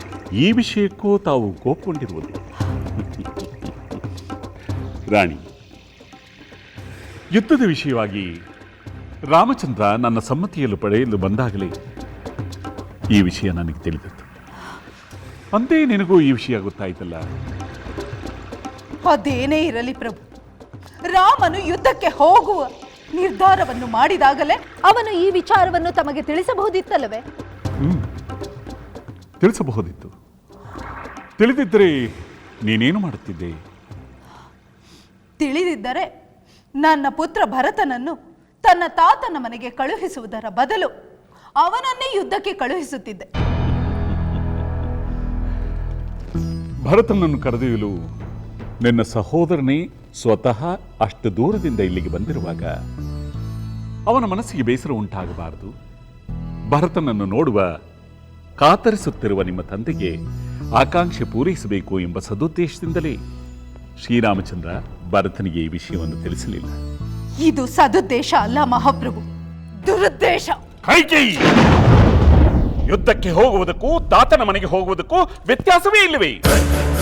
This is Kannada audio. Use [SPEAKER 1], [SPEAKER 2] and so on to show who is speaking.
[SPEAKER 1] ಈ ವಿಷಯಕ್ಕೂ ತಾವು ಕೋಪಗೊಂಡಿರುವುದು. ರಾಣಿ, ಯುದ್ಧದ ವಿಷಯವಾಗಿ ರಾಮಚಂದ್ರ ನನ್ನ ಸಮ್ಮತಿಯನ್ನು ಪಡೆಯಲು ಬಂದಾಗಲೇ ಈ ವಿಷಯ ನನಗೆ ತಿಳಿದಿತ್ತು. ಅಂದೇ ನಿನಗೂ ಈ ವಿಷಯ ಗೊತ್ತಾಯ್ತಲ್ಲ?
[SPEAKER 2] ಅದೇನೇ ಇರಲಿ ಪ್ರಭು, ರಾಮನು ಯುದ್ಧಕ್ಕೆ ಹೋಗುವ ನಿರ್ಧಾರವನ್ನು ಮಾಡಿದಾಗಲೇ
[SPEAKER 3] ಅವನು ಈ ವಿಚಾರವನ್ನು ತಮಗೆ ತಿಳಿಸಬಹುದಿತ್ತಲ್ಲವೇ?
[SPEAKER 1] ತಿಳಿಸಬಹುದಿತ್ತು. ತಿಳಿದಿದ್ದರೆ ನೀನೇನು ಮಾಡುತ್ತಿದ್ದೆ?
[SPEAKER 2] ತಿಳಿದಿದ್ದರೆ ನನ್ನ ಪುತ್ರ ಭರತನನ್ನು ತನ್ನ ತಾತನ ಮನೆಗೆ ಕಳುಹಿಸುವುದರ ಬದಲು ಅವನನ್ನೇ ಯುದ್ಧಕ್ಕೆ ಕಳುಹಿಸುತ್ತಿದ್ದೆ.
[SPEAKER 1] ಭರತನನ್ನು ಕರೆದೊಯ್ಯಲು ನಿನ್ನ ಸಹೋದರನೇ ಸ್ವತಃ ಅಷ್ಟು ದೂರದಿಂದ ಇಲ್ಲಿಗೆ ಬಂದಿರುವಾಗ ಅವನ ಮನಸ್ಸಿಗೆ ಬೇಸರ ಉಂಟಾಗಬಾರದು. ಭರತನನ್ನು ನೋಡುವ ಕಾತರಿಸುತ್ತಿರುವ ನಿಮ್ಮ ತಂದೆಗೆ ಆಕಾಂಕ್ಷೆ ಪೂರೈಸಬೇಕು ಎಂಬ ಸದುದ್ದೇಶದಿಂದಲೇ ಶ್ರೀರಾಮಚಂದ್ರ ಭರತನಿಗೆ ಈ ವಿಷಯವನ್ನು ತಿಳಿಸಲಿಲ್ಲ.
[SPEAKER 2] ಇದು ಸದುದ್ದೇಶ ಅಲ್ಲ ಮಹಾಪ್ರಭು, ದುರುದ್ದೇಶ.
[SPEAKER 1] ಕೈಕೇಯಿ, ಯುದ್ಧಕ್ಕೆ ಹೋಗುವುದಕ್ಕೂ ತಾತನ ಮನೆಗೆ ಹೋಗುವುದಕ್ಕೂ ವ್ಯತ್ಯಾಸವೇ ಇಲ್ಲವೇ?